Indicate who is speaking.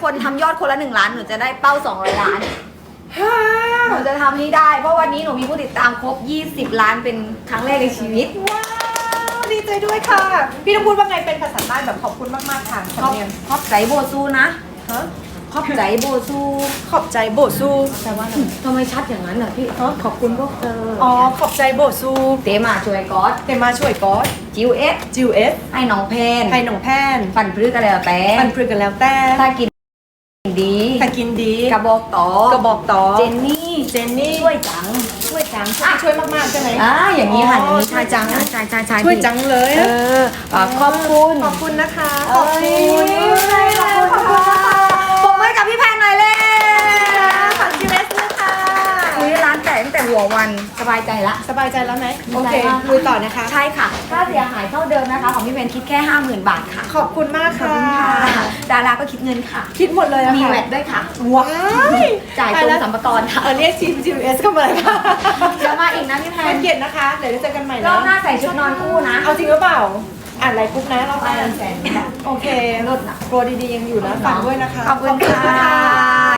Speaker 1: คนทำยอดคนละ1 ล้านหนูจะได้เป้า200 ล้านหนูจะทำให้ได้เพราะวันนี้หนูมีผู้ติดตามครบ20 ล้านเป็นครั้งแรกในชีวิต
Speaker 2: ว้าวดีใจด้วยค่ะ พี่ต้องพูดว่าไงเป็นภาษาใต้แบบขอบคุณมากๆค่ะ
Speaker 1: ขอบใจโบซูนะ
Speaker 2: ฮะ
Speaker 1: ขอบใจโบซู
Speaker 2: ขอบใจโบซูแปลว่าอะไร
Speaker 1: ทำไมชัดอย่างนั้นอ่ะพี่ขอบคุณพวกเธอ
Speaker 2: อ๋อขอบใจโบซู
Speaker 1: เตมาช่วยก๊อต
Speaker 2: เตมาช่วยก๊อต
Speaker 1: จิวเอส
Speaker 2: จิวเอส
Speaker 1: ให้น้องเพน
Speaker 2: ไทยหนองแพน
Speaker 1: ปั่นพฤกษ์กันแล้วแต่
Speaker 2: ปันปรึกกันแล้วแต่
Speaker 1: ถ้ากินดี
Speaker 2: ถ้ากินดี
Speaker 1: กระบอกต่อก
Speaker 2: ระบอกต่อ
Speaker 1: เจนนี่
Speaker 2: เจนนี่
Speaker 1: ช่วยจัง
Speaker 2: ช่วยจังช่วยมากๆใช่ไหม
Speaker 1: อย่างนี้ค่ะอย่างนี้
Speaker 2: ช่วยจัง
Speaker 1: ใช่
Speaker 2: ช่วยจังเลย
Speaker 1: ขอบคุณ
Speaker 2: ขอบคุณนะคะ
Speaker 1: ขอบคุณขอบคุณปรบมือให้กับพี่แพนหน่อยเลย
Speaker 2: ฝากจิวเอสด้วยค่ะ
Speaker 1: คุยร้านแต่ตั้งแต่หัววันสบายใจละ
Speaker 2: สบายใจแล้วไหมโอเค
Speaker 1: สบายมาก
Speaker 2: ลุยต่อนะคะ
Speaker 1: ใช่ค่ะค่าเสียหายเท่าเดิมนะคะ ของพี่แพนคิดแค่ 50,000 บาทค่ะ
Speaker 2: ขอบคุณมาก
Speaker 1: ขอบ
Speaker 2: ค่ะ
Speaker 1: คุณค่ะดาราก็คิดเงินค่ะ
Speaker 2: คิดหมดเลยอะ
Speaker 1: มี
Speaker 2: ค่ะ
Speaker 1: แวดด้วยค่ะ
Speaker 2: ว้าย
Speaker 1: จ่ายตรงสัมปทานค่ะ
Speaker 2: เรียกทีม GS เข้ามาเลยค่ะ
Speaker 1: เดี๋ยวมาอีกนะพี่แพ
Speaker 2: เป็น นเกียรตินะคะ เดี๋ยวเจอกันใหม่
Speaker 1: ร
Speaker 2: นะ
Speaker 1: อบหน้าใส่ชุดนอนคู่นะ
Speaker 2: เอาจริงหรือเปล่า อ่านไลน์กรุ๊ปนะเรา
Speaker 1: ไป
Speaker 2: ไป
Speaker 1: 100,000
Speaker 2: โอเค
Speaker 1: ลดนะ
Speaker 2: โปรดีๆยังอยู่นะฝากด้วยนะคะ
Speaker 1: ขอบคุณค่ะ